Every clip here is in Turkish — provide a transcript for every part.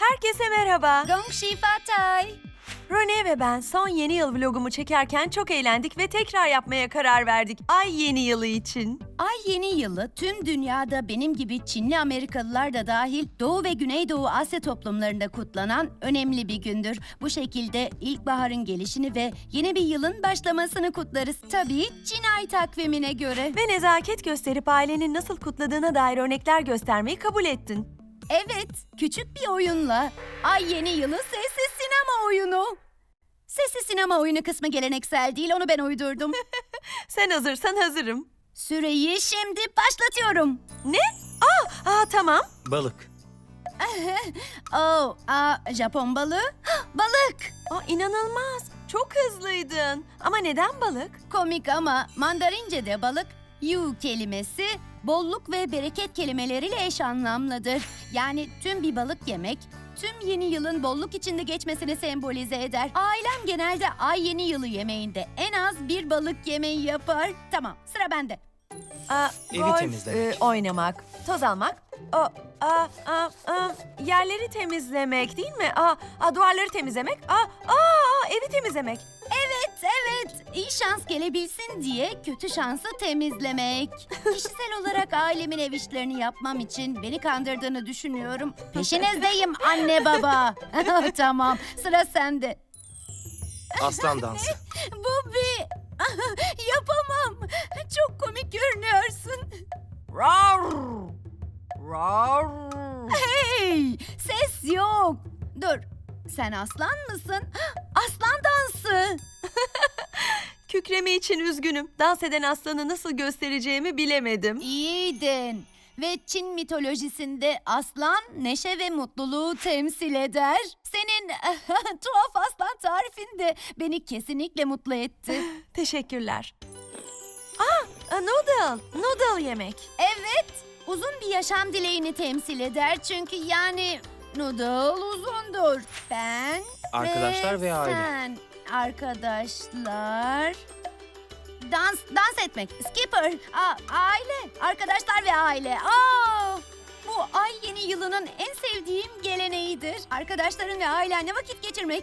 Herkese merhaba. Gong Xi Fa Cai. Rone ve ben son yeni yıl vlogumu çekerken çok eğlendik ve tekrar yapmaya karar verdik. Ay yeni yılı için. Ay yeni yılı tüm dünyada benim gibi Çinli Amerikalılar da dahil Doğu ve Güneydoğu Asya toplumlarında kutlanan önemli bir gündür. Bu şekilde ilkbaharın gelişini ve yeni bir yılın başlamasını kutlarız. Tabii Çin ay takvimine göre. Ve nezaket gösterip ailenin nasıl kutladığına dair örnekler göstermeyi kabul ettin. Evet, küçük bir oyunla Ay yeni yılı sessiz sinema oyunu. Sessiz sinema oyunu kısmı geleneksel değil, onu ben uydurdum. Sen hazırsan hazırım. Süreyi şimdi başlatıyorum. Ne? Tamam. Balık. Japon balığı. Balık. İnanılmaz. Çok hızlıydın. Ama neden balık? Komik ama Mandarince'de balık, yu kelimesi bolluk ve bereket kelimeleriyle eş anlamlıdır. Yani tüm bir balık yemek, tüm yeni yılın bolluk içinde geçmesini sembolize eder. Ailem genelde ay yeni yılı yemeğinde en az bir balık yemeği yapar. Tamam, sıra bende. Evi Golf, temizlemek. oynamak, toz almak, yerleri temizlemek değil mi? Duvarları temizlemek, evi temizlemek. Evet, iyi şans gelebilsin diye kötü şansı temizlemek. Kişisel olarak ailemin ev işlerini yapmam için beni kandırdığını düşünüyorum. Peşinizdeyim anne baba. Tamam, sıra sende. Aslan dansı. Bu bir... Yapamam. Çok komik görünüyorsun. Rar! Rar! Hey, ses yok. Dur, sen aslan mısın? Aslan dansı. Kükreme için üzgünüm. Dans eden aslanı nasıl göstereceğimi bilemedim. İyiydin. Ve Çin mitolojisinde aslan neşe ve mutluluğu temsil eder. Senin tuhaf aslan tarifin de beni kesinlikle mutlu etti. Teşekkürler. Noodle yemek. Evet, uzun bir yaşam dileğini temsil eder. Çünkü yani noodle uzundur. Ben Arkadaşlar ve aile. sen. Arkadaşlar. Dans etmek. Skipper. Aile. Arkadaşlar ve aile. Bu ay yeni yılının en sevdiğim geleneğidir. Arkadaşların ve ailenle vakit geçirmek.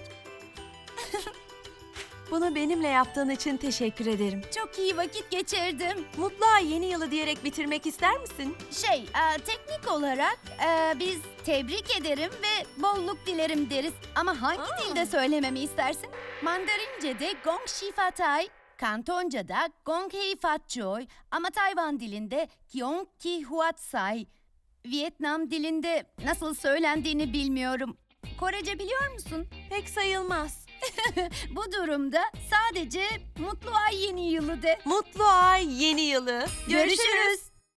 Bunu benimle yaptığın için teşekkür ederim. Çok iyi vakit geçirdim. Mutlu ay yeni yılı diyerek bitirmek ister misin? Teknik olarak biz tebrik ederim ve bolluk dilerim deriz. Ama hangi dilde söylememi istersin? Mandarince'de Gong Xi Fa Cai, Kantonca'da Gong Hei Fat Choi ama Tayvan dilinde Giong Ki Huat Sai. Vietnam dilinde nasıl söylendiğini bilmiyorum. Korece biliyor musun? Pek sayılmaz. Bu durumda sadece mutlu ay yeni yılı de. Mutlu ay yeni yılı. Görüşürüz.